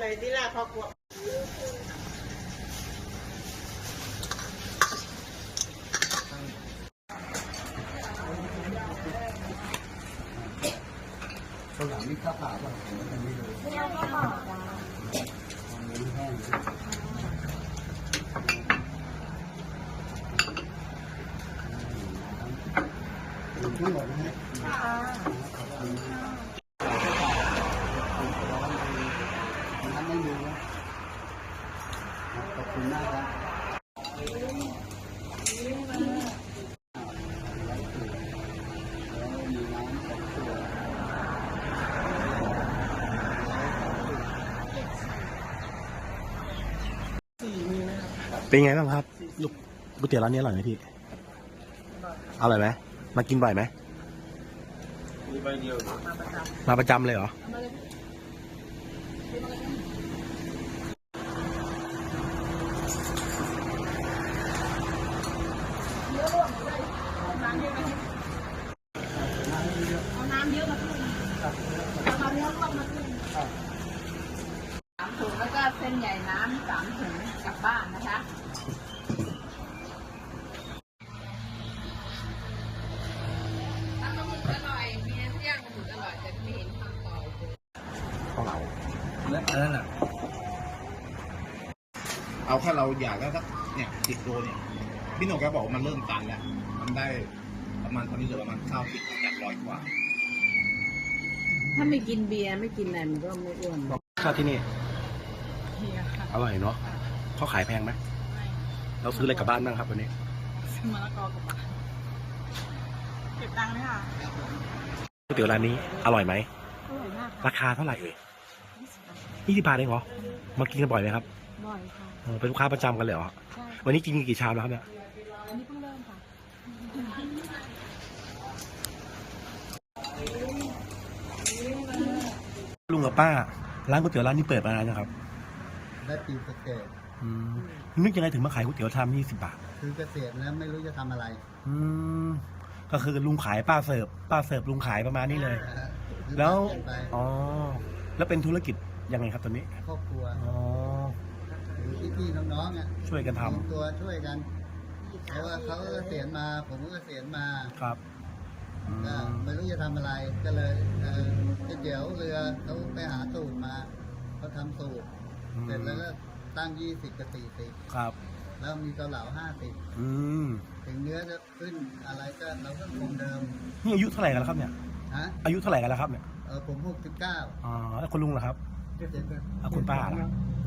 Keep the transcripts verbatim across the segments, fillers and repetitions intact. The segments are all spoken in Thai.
หน่อยที่ล่ะครอบครัวข้าวหลามนี่ข้าวเปล่าป่ะผมไม่รู้ไม่เอาข้าวเปล่าจ้าอันนี้แห้งถึงทั้งหมดนะฮะค่ะขอบคุณน้ำไม่มีนะขอบคุณมากครับเป็นไงบ้างครับลูกก๋วยเตี๋ยวร้านนี้อร่อยไหมพี่อร่อยไหมมากินบ่อยไหมมาประจำเลยเหรอเอาน้ำเยอะมาขึ้นเอามาเนื้อต้มมาขึ้นสามถุงแล้วก็เส้นใหญ่น้ำสามถุงกลับบ้านนะคะถ้าปลาหมึกอร่อยมีน้ำย่างปลาหมึกอร่อยแต่ไม่เห็นทำต่อเลยข้าวเหลาแล้วอันนั้นอ่ะเอาแค่เราอยากแล้วสักเนี่ยสิบโลเนี่ยพี่หนุ่มแกบอกมันเริ่มตันแล้วมันได้ประมาณตอนนี้เหลือประมาณข้าวสิบจากร้อยกว่าถ้าไม่กินเบียร์ไม่กินอะไรมันก็ไม่อ้วนข้าวที่นี่เฮียค่ะอร่อยเนาะเขาขายแพงไหมเราซื้ออะไรกลับบ้านบ้างครับวันนี้ซื้อมะละกอกับปลาเก็บตังค์ไหมคะก๋วยเตี๋ยวร้านนี้อร่อยไหมอร่อยมากราคาเท่าไหร่เอ่ยยี่สิบบาทเองเหรอมากินกันบ่อยไหมครับบ่อยค่ะเออเป็นลูกค้าประจำกันเลยเหรอใช่วันนี้กินกี่ชามแล้วครับเนี่ยอันนี้เพิ่งเริ่มค่ะลุงกับป้าร้านก๋วยเตี๋ยวร้านนี้เปิดมานานยังครับได้ปีเกษตรอืมนึกยังไงถึงมาขายก๋วยเตี๋ยวชามยี่สิบบาทคือเกษตรแล้วไม่รู้จะทำอะไรอืมก็คือลุงขายป้าเสิร์ฟป้าเสิร์ฟลุงขายประมาณนี้เลยแล้วอ๋อแล้วเป็นธุรกิจยังไงครับตอนนี้ครอบครัวอ๋อพี่พี่น้องๆอ่ะช่วยกันทำตัวช่วยกันเพราะว่าเขาเกษียณมาผมก็เกษียณมาครับก็ไม่รู้จะทำอะไรก็เลยเออเดี๋ยวเรือเขาไปหาสูตรมาเขาทำสูตรเสร็จแล้วก็ตั้งยี่สิบกับสี่สิบครับแล้วมีเกาเหลาห้าสิบอืมถึงเนื้อจะขึ้นอะไรก็เราก็คงเดิมนี่อายุเท่าไหร่กันแล้วครับเนี่ยฮะอายุเท่าไหร่กันแล้วครับเนี่ยเออผมหกสิบเก้าอ๋อแล้วคุณลุงล่ะครับคุณป้าล่ะ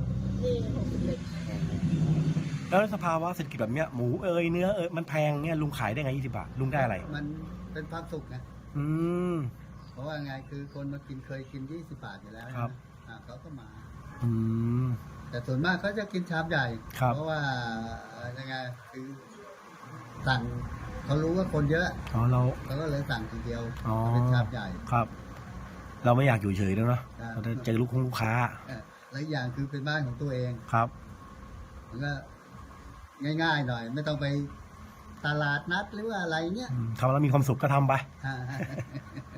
แล้วสภาวะเศรษฐกิจแบบเนี้ยหมูเอยเนื้อเอยมันแพงเนี่ยลุงขายได้ไงยี่สิบบาทลุงได้อะไรมันเป็นความสุขไงอืมเพราะว่าไงคือคนมากินเคยกินยี่สิบบาทอยู่แล้วครับอ่าเขาก็มาอืมแต่ส่วนมากเขาจะกินชามใหญ่เพราะว่ายังไงคือสั่งเขารู้ว่าคนเยอะอ๋อเราเขาก็เลยสั่งทีเดียวเป็นชามใหญ่ครับ เราไม่อยากอยู่เฉยแล้วเนาะเราจะเจอลูกค้าและอย่างคือเป็นบ้านของตัวเองครับมันก็ง่ายๆหน่อยไม่ต้องไปตลาดนัดหรือว่าอะไรเนี้ยทำแล้วมีความสุขก็ทำไป